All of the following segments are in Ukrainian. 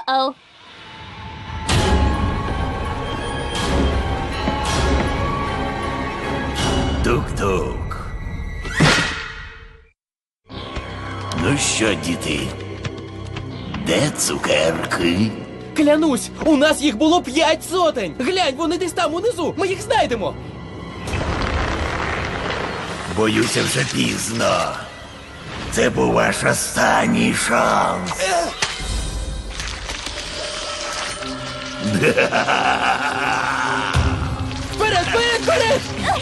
О-оу. Тук-тук. Ну що, діти? Де цукерки? Клянусь, у нас їх було 5 сотень! Глянь, вони десь там унизу, ми їх знайдемо! Боюся, вже пізно. Це був ваш останній шанс. Вперед, вперед, вперед!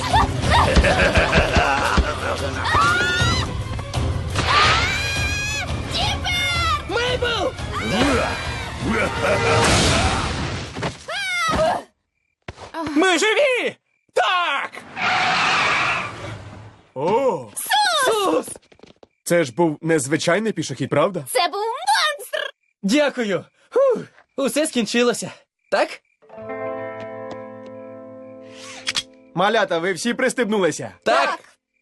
Мейбл! Ми живі! Так! О, Сус! це ж був незвичайний пішохід, правда? Це був монстр! Дякую! Фух, усе скінчилося. Так? Малята, ви всі пристебнулися? Так!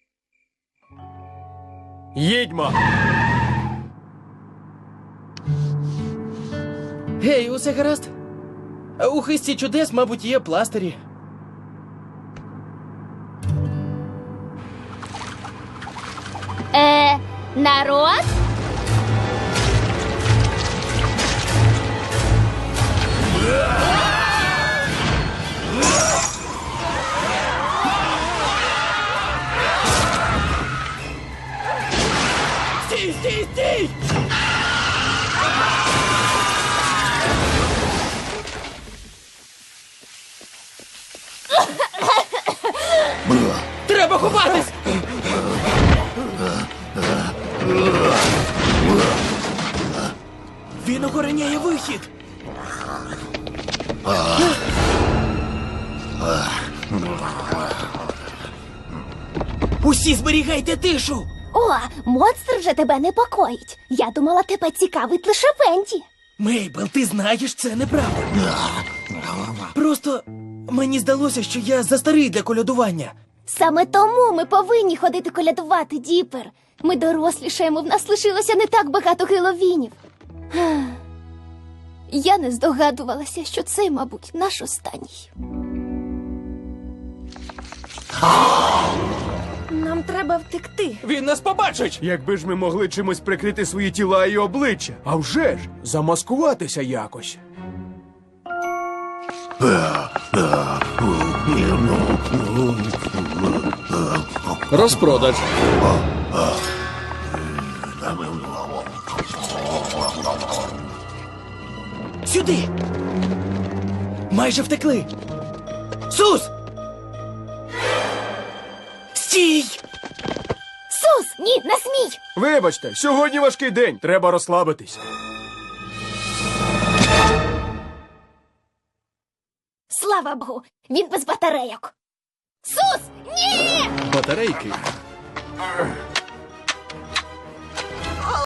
Їдьмо! Гей, усе гаразд? У хисті чудес, мабуть, є пластирі. Народ? Стій, стій, стій! Треба ховатись! Він охороняє вихід! Усі зберігайте тишу! О, монстр вже тебе непокоїть. Я думала, тебе цікавить лише Венді. Мейбл, ти знаєш, це неправда. Просто мені здалося, що я застарий для колядування. Саме тому ми повинні ходити колядувати, Діпер. Ми дорослішаємо, в нас лишилося не так багато Геловінів. Я не здогадувалася, що це, мабуть, наш останній. Нам треба втекти. Він нас побачить! Якби ж ми могли чимось прикрити свої тіла і обличчя. А вже ж, замаскуватися якось. Розпродаж. Сюди! Майже втекли! Сус! Стій! Сус, ні, не смій! Вибачте, сьогодні важкий день, треба розслабитись. Слава Богу, він без батарейок. Сус, ні! Батарейки.